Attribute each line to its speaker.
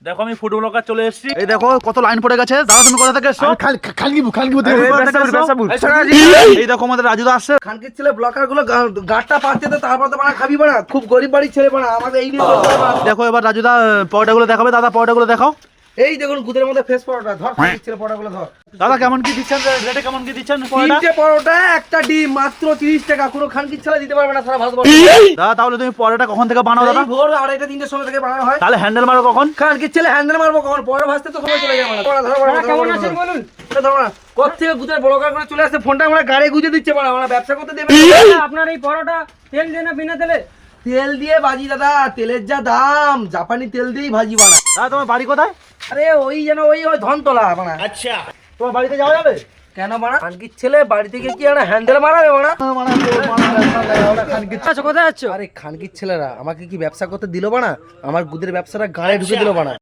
Speaker 1: দেখো আমি food blogger চলে এসেছি। এই দেখো কত লাইন পড়ে গেছে। দাদা তুমি কোথা থেকে এসছো? এই দেখো আমাদের রাজুদা আসছে।
Speaker 2: খানকির ছেলে ব্লকার গুলো গাড়টা পাচ্ছে তো তারপর তো বানা খাবি বানা, খুব গরিব বাড়ির ছেলে বানা, আমাদের এই নিয়ে
Speaker 1: দেখো এবার রাজুদা পরোটাগুলো দেখাবে। দাদা পরোটাগুলো দেখাও।
Speaker 2: এই দেখুন গুদের মধ্যে ফেস পরোটা ধর, খানকির ছেলে পরোটাগুলো ধর।
Speaker 1: দাদা কেমন কি দিচ্ছেন, রেটে কেমন কি দিচ্ছেন পরোটা?
Speaker 2: তিনটে পরোটা একটা ডিম মাত্র 30 টাকা, কোনো খানকির ছেলে দিতে পারবে না সারা ভারতবর্ষ।
Speaker 1: দাদা তাহলে তুমি পরোটা কখন থেকে বানাও দাদা?
Speaker 2: এই ভোর 2:30 3টের সময় থেকে বানানো হয়।
Speaker 1: তাহলে হ্যান্ডেল মারো কখন?
Speaker 2: খানকির ছেলে হ্যান্ডেল মারবো কখন? পরোটা ভাজতে তো সময় চলে যাবে না। কেমন আছেন বলুন? কোথা থেকে গুদের ব্লকার করে চলে আসছে, ফোনটা আমরা গাড়ি গুজে দিচ্ছে বানা, আমরা ব্যবসা করতে দেবে না।
Speaker 3: আপনার এই পরোটা তেল দিয়ে না বিনা তেলে?
Speaker 2: তেল দিয়ে ভাজি দাদা, তেলের যা দাম, জাপানি তেল দিয়েই ভাজি বানা।
Speaker 1: দাদা তোমার বাড়ি কোথায়?
Speaker 2: আরে ওই যেন ওই ধনতলা বানা।
Speaker 1: আচ্ছা তোমার বাড়িতে যাওয়া যাবে?
Speaker 2: কেন বানা? খানকির ছেলে বাড়ি থেকে কি একটা হ্যান্ডেল মারাবে বানা?
Speaker 3: আচ্ছা কোথায় যাচ্ছ?
Speaker 2: আরে খানকির ছেলেরা আমাকে কি ব্যবসা করতে দিল বানা? আমার গুদের ব্যবসাটা গাড়ে ঢুকে দিল বানা।